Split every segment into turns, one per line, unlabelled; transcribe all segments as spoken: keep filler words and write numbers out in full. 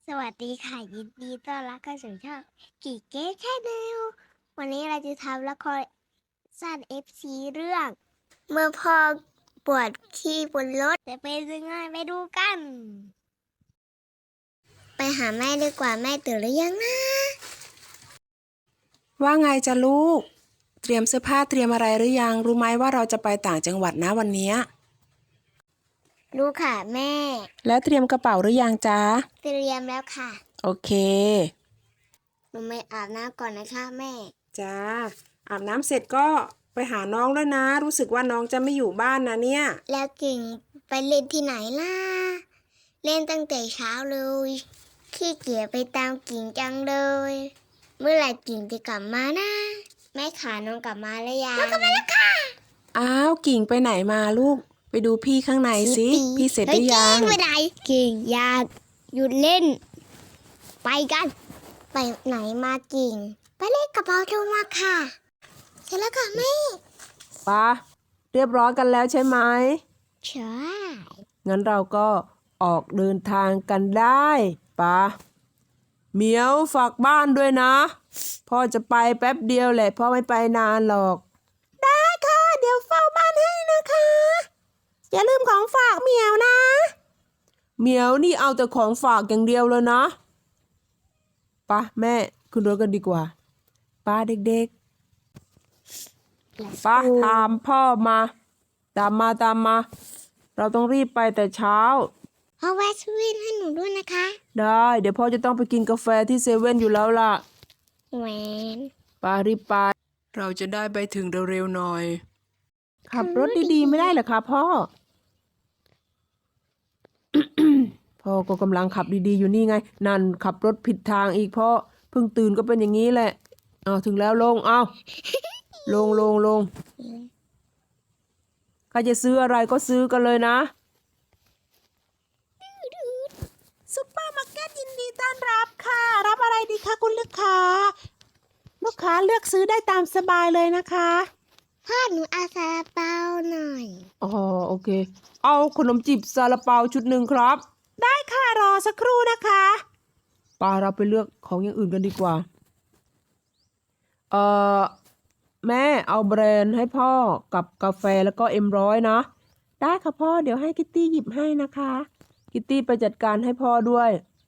สวัสดีค่ะยินดีต้อนรับเข้าสู่ช่องกีเก๊แชนแนลวันนี้เราจะทำละครสั้น เอฟ ซี เรื่อง เมื่อพ่อปวดขี้บนรถจะเป็นยังไงไปดูกัน ไปหาแม่ดีกว่าแม่ตื่นหรือยังนะ
ว่าไงจ๊ะลูก เตรียมเสื้อผ้าเตรียมอะไรหรือยัง รู้ไหมว่าเราจะไปต่างจังหวัดนะวันนี้
รู้ค่ะแม่
แล้วเตรียมกระเป๋าหรือยังจ๊ะ
เตรียมแล้วค่ะ
โอเค
หนูไม่อาบน้ำก่อนนะคะแม่
จ้าอาบน้ำเสร็จก็ไปหาน้องด้วยนะ รู้สึกว่าน้องจะไม่อยู่บ้านนะเนี่ย
แล้วกิ่งไปเล่นที่ไหนล่ะ เล่นตั้งแต่เช้าเลยขี้เกียจไปตามกิ่งจังเลย เมื่อไหร่กิ่งจะกลับมานะแม่ขาน้องกลับมาแล้วยังน้องกลับมาแล้วค่ะ
อ้าวกิ่งไปไหนมาลูก ไปดูพี่ข้างในสิพี่เสร็จหรือยัง
เฮ้ยกิ่งไปไหนกิ่งอยากหยุดเล่น ไปกัน ไปไหนมากิ่ง ไปเล่นกับเราโทรมาค่ะเสร็จแล้วค่ะแม่
ปะเรียบร้อยกันแล้วใช่ไหม
ใช่
งั้นเราก็ออกเดินทางกันได้ปะเหมียวฝากบ้านด้วยนะ พ่อจะไปแป๊บเดียวแหละพ่อไม่ไปนานหรอก ได้ค่ะ เดี๋ยวเฝ้าบ้านให้นะคะ อย่าลืมของฝากเหมียวนะเหมียวนี่เอาแต่ของฝากอย่างเดียวเลยนะปะแม่ขึ้นรถกันดีกว่าป้าเด็กๆป้าตามพ่อมาตามมาตามมา เราต้องรีบไปแต่เช้า
พ่อแวะสวินให้หนูด้วยนะคะ
ได้เดี๋ยวพ่อจะต้องไปกินกาแฟที่เซเว่นอยู่แล้วล่ะ
แหวน
ป้ารีบไปเราจะได้ไปถึงเร็วๆหน่อย ขับรถดีๆไม่ได้เหรอคะพ่อ พ่อก็กำลังขับดีๆอยู่นี่ไง นั่นขับรถผิดทางอีกพ่อเพิ่งตื่นก็เป็นอย่างนี้แหละเอาถึงแล้วลงเอาลงลงลงใครจะซื้ออะไรก็ซื้อกันเลยนะซุปเปอร์มาร์เก็ตยินดีต้อนรับค่ะ รับอะไรดีคะคุณลูกค้า ลูกค้าเลือกซื้อได้ตามสบายเลยนะคะ
พ่อหนูอาซาลาเปาหน่อย
อ๋อโอเค เอาขนมจีบซาลาเปาชุดหนึ่งครับ ได้ค่ะรอสักครู่นะคะปาเราไปเลือกของอย่างอื่นกันดีกว่า เอ่อแม่เอาแบรนด์ให้พ่อกับกาแฟแล้วก็เอ็มร้อยนะ ได้ค่ะพ่อเดี๋ยวให้คิตตี้หยิบให้นะคะ คิตตี้ไปจัดการให้พ่อด้วย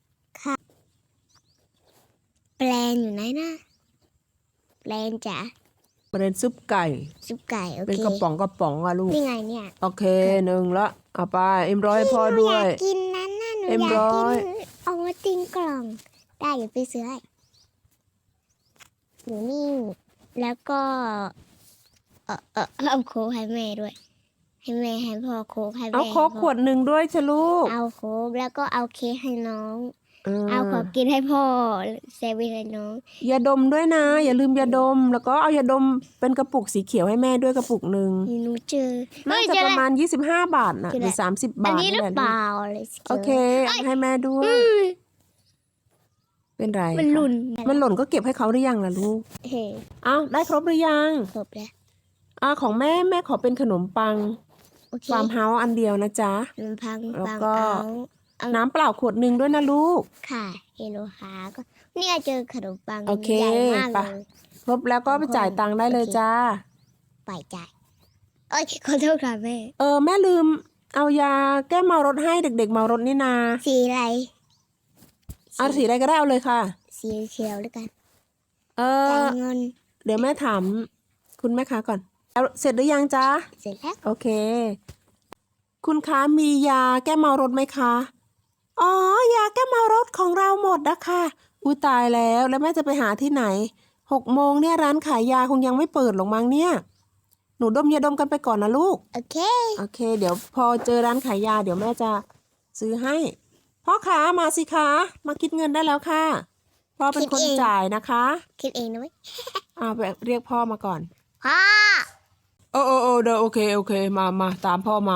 แปลนอยู่ไหนนะแปลนจ๋า
แบรนด์ซุปไก่
ซุปไก่โอเค
เป็นกระป๋องกระป๋องอะลูก
นี่ไงเนี่ย
โอเคหนึ่งละเอาไปเอ็มร้อยให้พ่อ
หนู
ด้
อ
วย
ยากกินนั้นน่ะหนู
เอ็ม
อยาก
ร้
กิ
อย
นเอามาติงกล่อง ได้เดี๋ยวไปซื้อให้หนูนี่แล้วก็ เออเออเอาโค้กให้แม่ด้วย ให้แม่ให้พ่อโค้กให้แม่
เอาโค้กขวดหนึ่งด้วยชะลูก
เอาโค้กแล้วก็เอาเค้กให้น้อง
เออ
เอาของกินให้พ่อเซเว่นให้น้อง
ยาดมด้วยนะ อย่าลืมยาดม แล้วก็เอายาดมเป็นกระปุกสีเขียวให้แม่ด้วยกระปุกหนึ่ง
หนูเจอ
น่าจะประมาณยี่สิบห้าบาทนะหรือสามสิบ
อัน
บาท
นี้หรือ
แหละ
เป
ลูก
ล่าอะไรสิ
โอเคเอาให้แม่ด้วย
อืม
เป็นไร
มันหลุน
คะมันหล่นก็เก็บให้เขาหรือยังล่ะลูก
เฮ้
อ้าวได้ครบหรือยัง
ครบแล้ว
อ่าของแม่แม่ขอเป็นขนมปัง
โอเค
ฟาร์มเฮาส์อันเดียวนะจ๊ะ
ขนมพัง
แล้ว
ปัง
ก็
เอาเอา
น้ำเปล่าขวดหนึ่งด้วยนะลูก
ค่ะเฮโลฮาก็เนี่ยเจอขนมปัง
โอเค
ใหญ่มาก
ไป
เลย
ครบแล้วก็ไปจ่ายตังค์ได้เลยจ้า
ไปจ่ายโอ้ยขอโทษค่ะแม่
เออแม่ลืม เอายาแก้เมารถให้เด็กๆเมารถนี่นา
สีอะไร
เอาสีอะไรก็ได้เอาเลยค่ะ
สีเขียวแล้วกัน
เอ
จ่า
อ
ยเงิน
เดี๋ยวแม่ถามคุณแม่ค้าก่อนเอาเสร็จหรือยังจ๊ะ
เสร็จแล้ว
โอเค คุณคะมียาแก้เมารถไหมคะ อ๋อ ยาแก้เมารถของเราหมดนะคะอุ้ยตายแล้วแล้วแม่จะไปหาที่ไหนหกโมงเนี่ยร้านขายยาคงยังไม่เปิดหรอกมั้งเนี่ย หนูดมยาดมกันไปก่อนนะลูก
โอเค
โอเค เดี๋ยวพอเจอร้านขายยาเดี๋ยวแม่จะซื้อให้พ่อค้ามาสิคะมาคิดเงินได้แล้วค่ะพ่อเป็นคนจ่ายนะคะ
คิดเองนะเว้ย
อ่าไปเรียกพ่อมาก่อน
พ่อ
โอ้โอ้โอ้เดี๋ยวโอเคโอเคมามาตามพ่อมา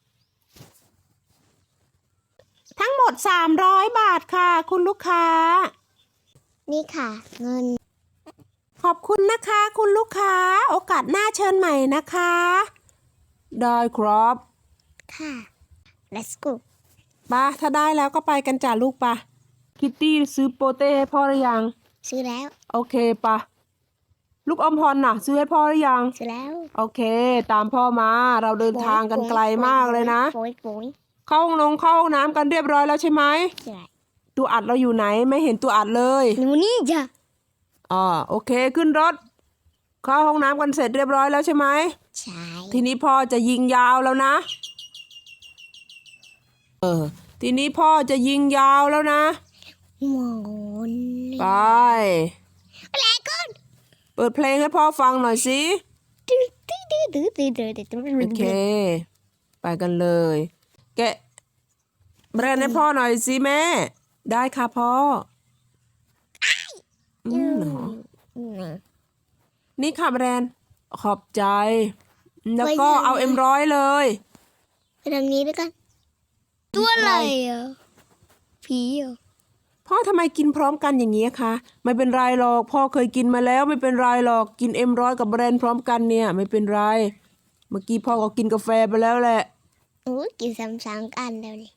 ทั้งหมดสามร้อยบาทค่ะ คุณลูกค้า
นี่ค่ะ เงิน
ขอบคุณนะคะ คุณลูกค้า โอกาสหน้าเชิญใหม่นะคะ ได้ครับ
ค่ะ let's go
ปะถ้าได้แล้วก็ไปกันจ้ะลูกปะคิตตี้ซื้อโปเต้ให้พ่อหรือยัง
ซื้อแล้ว
โอเคปะลูกอมพรน่ะ ซื้อให้พ่อหรือยัง
ซื้อแล้ว
โอเค ตามพ่อมา เราเดินทางกันไกลมากเลยนะ
โอยโอย
เข้าห้องนงเข้าห้องน้ำกันเรียบร้อยแล้วใช่ไหม
ใช่
ตัวอัดเราอยู่ไหนไม่เห็นตัวอัดเลย
หนูนี่จ้ะ
อ่าโอเคขึ้นรถ เข้าห้องน้ำกันเสร็จเรียบร้อยแล้วใช่ไหม
ใช่
ทีนี้พ่อจะยิงยาวแล้วนะ เออ ทีนี้พ่อจะยิงยาวแล้วนะ
หมอน
ไป
อะไรก่อน
เปิดเพลงให้พ่อฟังหน่อยสิ
ตื้อตื้อตื้อตื้อตื้อตื้อตื้อตื้อ
โอเค ไปกันเลย แกะแบรนด์ให้พ่อหน่อยสิแม่ ได้ค่ะพ่ออืมเหรอ
อืม
นี่ค่ะแบรนด์ขอบใจ แล้วก็เอาเอ็มร้อยเลย
ไปทางนี้ด้วยกัน ตัวอะไรอ่ะผีเหรอ่ะ
พ่อทำไมกินพร้อมกันอย่างนี้คะไม่เป็นไรหรอกพ่อเคยกินมาแล้วไม่เป็นไรหรอกกินเอ็มร้อยกับแบรนด์พร้อมกันเนี่ยไม่เป็นไร เมื่อกี้พ่อก็กินกาแฟไปแล้วแหละ
โอ้ยกินซ้ำๆกันแล้วนี่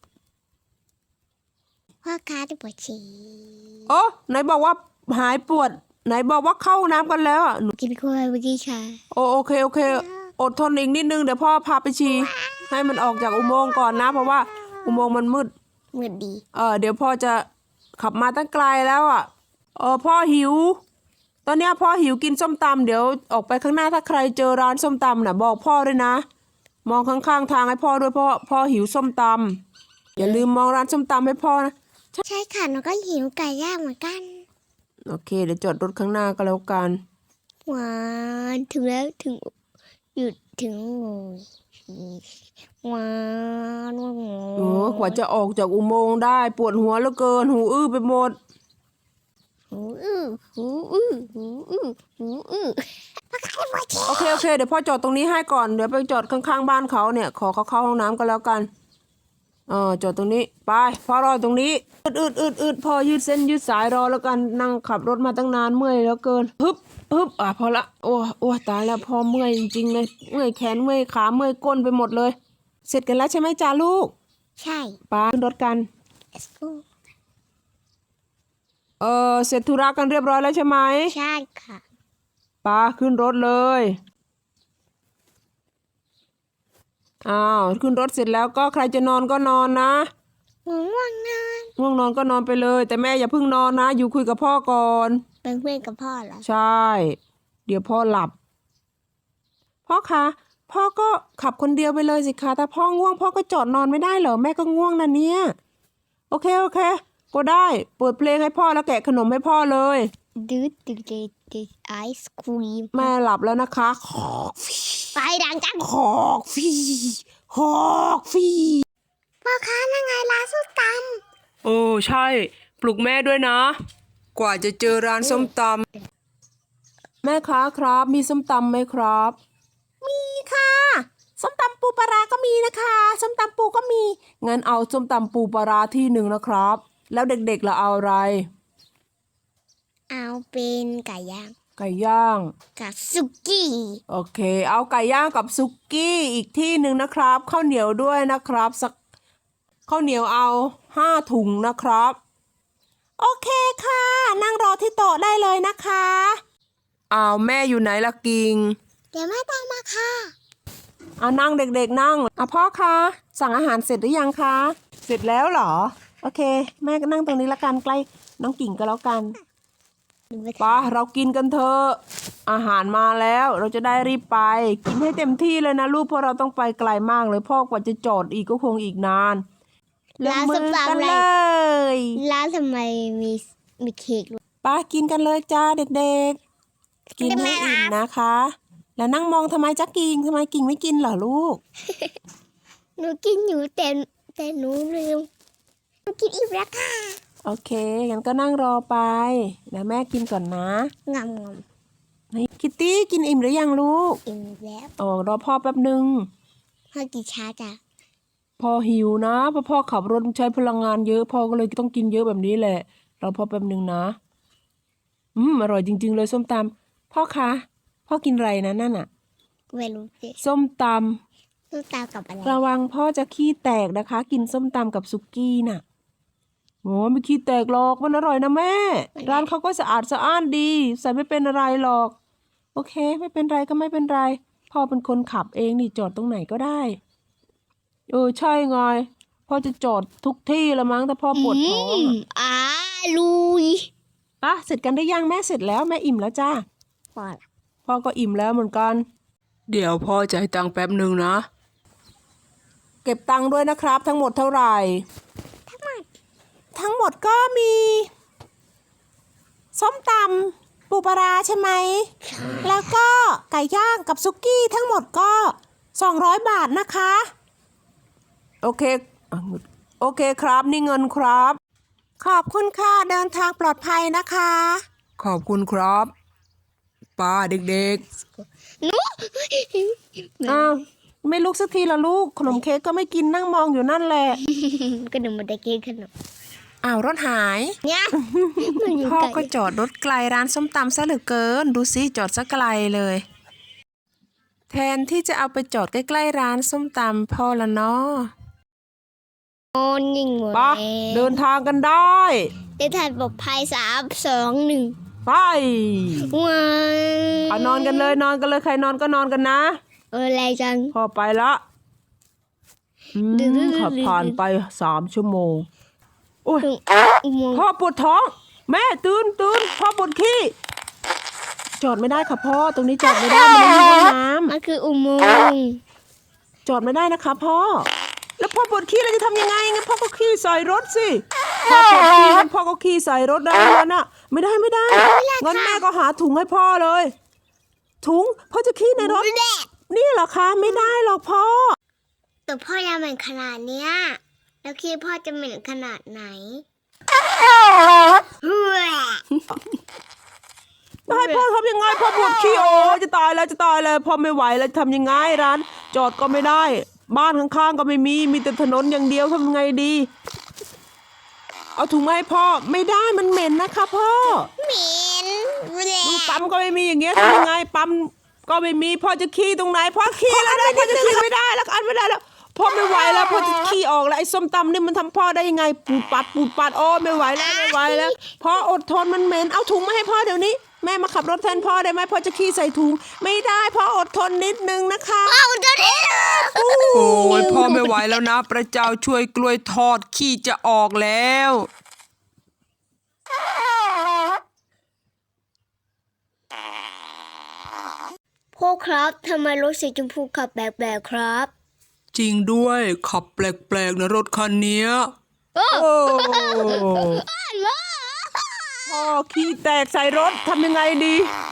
พ่อค้าจะปวดฉี่
โอ้ไหนบอกว่าหายปวด ไหนบอกว่าเข้าน้ำกันแล้วอ่ะหนู
กินกล้วยเมื่อกี้ค่ะ
โอโอเคโอเค อดทนอีกนิดนึงเดี๋ยวพ่อพาไปฉี่ให้มันออกจากอุโมงค์ก่อนนะ เพราะว่าอุโมงค์มันมืด
เหมือนดี
เออเดี๋ยวพ่อจะขับมาตั้งไกลแล้วอ่ะเออพ่อหิว ตอนเนี้ยพ่อหิวกินส้มตำเดี๋ยวออกไปข้างหน้าถ้าใครเจอร้านส้มตำน่ะบอกพ่อด้วยนะ มองข้างๆทางให้พ่อด้วยเพราะพ่อหิวส้มตำอย่าลืมมองร้านส้มตำให้พ่อนะ
ใช่ค่ะหนูก็หิวไก่ย่างเหมือนกัน
โอเคเดี๋ยวจอดรถข้างหน้าก็แล้วกัน
หวานถึงแล้วถึงหยุดถึงโง่หวานว่าโง่
โอ้กว่าจะออกจากอุโมงค์ได้ปวดหัวเหลือเกินหูอื้อไปหมด
หูอื้อหูอื้อหูอื้อหูอื้อพ่อค้าปวดฉี่
โอเคโอเคเดี๋ยวพ่อจอดตรงนี้ให้ก่อนเดี๋ยวไปจอดข้างๆบ้านเขาเนี่ยขอเขาเข้าห้องน้ำก็แล้วกันเออจอดตรงนี้ไปพ่อรอตรงนี้อืดอืดอืดอืดพ่อยืดเส้นยืดสายรอแล้วกันนั่งขับรถมาตั้งนานเมื่อยแล้วเกินฮึบฮึบอ่ะพอละโอ้โอ้ตายแล้วพ่อเมื่อยจริงๆเลยเมื่อยแขนเมื่อยขาเมื่อยก้นไปหมดเลย เสร็จกันแล้วใช่ไหมจ้าลูก
ใช่
ไปขึ้นรถกัน
let's go
เออเสร็จธุระกันเรียบร้อยแล้วใช่ไหม
ใช่ค่ะ
ปาขึ้นรถเลยอ้าวขึ้นรถเสร็จแล้วก็ใครจะนอนก็นอนนะ
ง่วงนอน
ง่วงนอนก็นอนไปเลย แต่แม่อย่าเพิ่งนอนนะ อยู่คุยกับพ่อก่อน
เป็นเพื่อนกับพ่อเหรอ
ใช่ เดี๋ยวพ่อหลับ พ่อคะพ่อก็ขับคนเดียวไปเลยสิคะถ้าพ่อง่วงพ่อก็จอดนอนไม่ได้เหรอแม่ก็ง่วงนะเนี่ย โอเคโอเค ก็ได้เปิดเพลงให้พ่อแล้วแกะขนมให้พ่อเลย
ดืดดืดดืดดืดไอศครีม
แม่หลับแล้วนะคะขอ
ไปดังจัง
ขอกฟีขอกฟี
พ่อค้านั่งไงร้านส้มต
โอ้ใช่ ปลุกแม่ด้วยนะ กว่าจะเจอร้านส้มตำแม่ค้าครับ มีส้มตำไหมครับ มีค่ะ ส้มตำปูปลาร้าก็มีนะคะส้มตำปูก็มีงั้นเอาส้มตำปูปลาร้าที่หนึ่งนะครับ แล้วเด็กๆล่ะเอาอะไร
ำเอาเป็นไก่ย่าง
ไก่ย่าง
กับสุกี้
โอเค เอาไก่ย่างกับซุกี้อีกที่หนึ่งนะครับข้าวเหนียวด้วยนะครับสักข้าวเหนียวเอาห้าถุงนะครับ โอเคค่ะ นั่งรอที่โต๊ะได้เลยนะคะอ้าวแม่อยู่ไหนล่ะกิง
เดี๋ยวแม่ตามมาค่ะ
อ่านั่งเด็กๆนั่งอ่ะพ่อคะสั่งอาหารเสร็จหรือยังคะเสร็จแล้วเหรอ โอเค แม่ก็นั่งตรงนี้ละกันใกล้น้องกิ่งก็แล้วกันไปเรากินกันเถอะอาหารมาแล้วเราจะได้รีบไป กินให้เต็มที่เลยนะลูกเพราะเราต้องไปไกลมากเลยพ่อกว่าจะจอดอีกก็คงอีกนานลง
ร้าน
มื
ส้ม
อ
ตำ
กัน
อะไร
เลย
ร้านทำไมมีมีเค้กด้วย
ไปกินกันเลยจ้าเด็กๆ กินให้อิ่มนะคะ แล้วนั่งมองทำไมจ๊ะกิ่งทำไมกิ่งไม่กินเหรอลูก
หนูกินอยู่แต่แต่หนูลืมหนูกินอิ่มแล้วค่ะ
โอเคงั้นก็นั่งรอไปเดี๋ยวแม่กินก่อนนะ
งำง
นี่คิตตี้กินอิ่มหรือยังลูก
ำอิ่มแล้ว
โอ้รอพ่อแป๊บหนึ่ง
พ่อกินช้าจ้ะ
พ่อหิวนะเพราะพ่อขับรถใช้พลังงานเยอะพ่อก็เลยต้องกินเยอะแบบนี้แหละรอพ่อแป๊บหนึ่งนะอืมอร่อยจริงๆเลยส้มตำพ่อคะพ่อกินอะไรนะนั่นอะ
ไม่รู้สิ
ส้มต
ส้มตำกับอะไร
ำระวังพ่อจะขี้แตกนะคะ กินส้มตำกับซุกี้น่ะโอ้ไม่ขี้แตกหรอกมันอร่อยนะแม่ ร้านเขาก็สะอาดสะอ้านดีใส่ไม่เป็นอะไรหรอก โอเค ไม่เป็นไรก็ไม่เป็นไรพ่อเป็นคนขับเองนี่จอดตรงไหนก็ได้เออใช่ไงพ่อจะจอดทุกที่ละมั้งถ้าพ่อปวดท้อง
อืม
อะ
อร่อย
ปะเสร็จกันได้ยังแม่เสร็จแล้วแม่อิ่มแล้วจ้า
พอละ
พ่อก็อิ่มแล้วเหมือนกัน เดี๋ยวพ่อจะให้ตังค์แป๊บหนึ่งนะ เก็บตังค์ด้วยนะครับ ทั้งหมดเท่าไหร่
ทั้งหมด
ทั้งหมดก็มีส้มตำปูปลาร้าใช่ไหม แล้วก็ไก่ย่างกับซุกี้ทั้งหมดก็สองร้อยบาทนะคะ โอเคอ่ะโอเคครับนี่เงินครับ ขอบคุณค่ะเดินทางปลอดภัยนะคะ ขอบคุณครับป้าเด็ก
หนู
ๆ อ้าวไม่ลุกสักทีละลูก ขนมเค้กก็ไม่กินนั่งมองอยู่นั่นแหละ
ก็หนูมาได้กินขนม
อ้าวรถหาย
เนี่ยมันอยู่
พ่อ
ไกล
ก็จอดรถไกลร้านส้มตำซะเหลือเกิน ดูสิจอดซะไกลเลย แทนที่จะเอาไปจอดใกล้ๆร้านส้มตำพ่อละเนาะ
โอ้ยิงหมด
ปะ
แล้ว
เดินทางกันได้
ได้ทานปลอดภัยสามสองหนึ่ง
ไป
ว้า
เอานอนกันเลยนอนกันเลยใครนอนก็นอนกันนะ
เอออะไรจัง
พ่อไปละอืม
ดื้อๆๆๆ
ขับผ่านไปสามชั่วโมงโอ้ย
ถึงอุโมงค์
พ่อปวดท้อง แม่ตื่นตื่นพ่อปวดขี้จอดไม่ได้ค่ะพ่อตรงนี้จอดไม่ได้มันไม่มีห้องน้
มันคืออุโมงค์
ำจอดไม่ได้นะคะพ่อ แล้วพ่อปวดขี้เราจะทำยังไงงั้นพ่อก็ขี้ใส่รถสิพ่อปวดขี้งั้นพ่อก็ขี้ใส่รถได้แล้วน่ะไม่ได้ไม่ได้งั้นแม่ก็หาถุงให้พ่อเลย ถุงพ่อจะขี้ในรถ
แดก
นี่เหรอคะไม่ได้หรอกพ่อ
แต่พ่อยังเหม็นขนาดเนี้ยแล้วคิดพ่อจะเหม็นขนาดไหนเฮ้ย
ให้พ่อทำยังไงพ่อปวดขี้โอ้จะตายแล้วจะตายแล้วพ่อไม่ไหวแล้วจะทำยังไงร้าน จอดก็ไม่ได้ บ้านข้างๆก็ไม่มีมีแต่ถนนอย่างเดียวทำยังไงดี เอาถุงมาให้พ่อไม่ได้มันเหม็นนะคะพ่อ
เหม็นแด
ดู
ก
ปั๊มก็ไม่มีอย่างเงี้ยทำยังไงปั๊มก็ไม่มีพ่อจะขี้ตรงไหนพ่อขี้แล้วนะพ่อจะขี้ไม่ได้แล้วอันไม่ได้แล้วพ่อไม่ไหวแล้วพ่อจะขี้ออกแล้วไอ้ส้มตำนี่มันทำพ่อได้ยังไงปูดปัดปูดปัดโอ้ไม่ไหวแล้วไม่ไหวแล้วพ่ออดทนมันเหม็นเอาถุงมาให้พ่อเดี๋ยวนี้แม่มาขับรถแทนพ่อได้ไหมพ่อจะขี้ใส่ถุงไม่ได้พ่ออดทนนิดนึงนะคะ
เอาเดี๋ยวนี้
โอ้ยพ่อไม่ไหวแล้วนะพระเจ้าช่วยกล้วยทอดขี้จะออกแล้ว
พ่อครับทำไมรถสีชมพูขับแบบแบบครับ
จริงด้วยขับแปลกๆนะรถคันเนี้ย
โอ้
โอ้
โห
พ่อขี้แตกใส่รถทำยังไงดี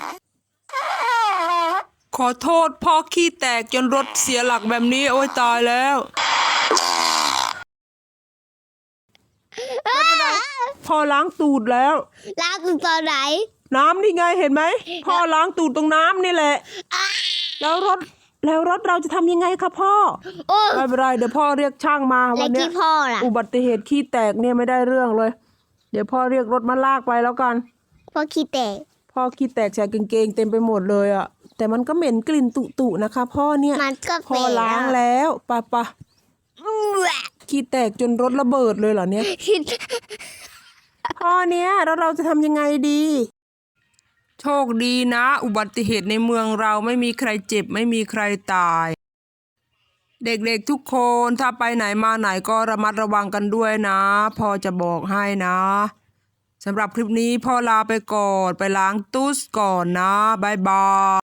ขอโทษพ่อขี้แตกจนรถเสียหลักแบบนี้โอ้ยตายแล้วพ่อล้างตูดแล้ว
ล้างถึงตอนไหน
น้ำนี่ไงเห็นไหมพ่อล้างตูดตรงน้ำนี่แหละ แล้วรถแล้วรถเราจะทำยังไงคะพ่อ
โอ้
ไม่เป็นไรเดี๋ยวพ่อเรียกช่างมา
แล้
วั
วน
เนี้
ที่
ย
พ่อล่ะ
อุบัติเหตุขี้แตกเนี่ยไม่ได้เรื่องเลย เดี๋ยวพ่อเรียกรถมาลากไปแล้วกัน
พ่อขี้แตก
พ่อขี้แตกใส่กางเกงเต็มไปหมดเลยอะแต่มันก็เหม็นกลิ่นตุๆนะคะพ่อเนี่ย
มันก็
พ่อ
เป็น
ล้างแล้วปะปะขี้แตกจนรถระเบิดเลยเหรอเนี่ย พ่อเนี่ยแล้วเราจะทำยังไงดี โชคดีนะ อุบัติเหตุในเมืองเราไม่มีใครเจ็บไม่มีใครตาย เด็กๆทุกคนถ้าไปไหนมาไหนก็ระมัดระวังกันด้วยนะพ่อจะบอกให้นะสำหรับคลิปนี้พ่อลาไปก่อนไปล้างตู้ก่อนนะบ๊ายบาย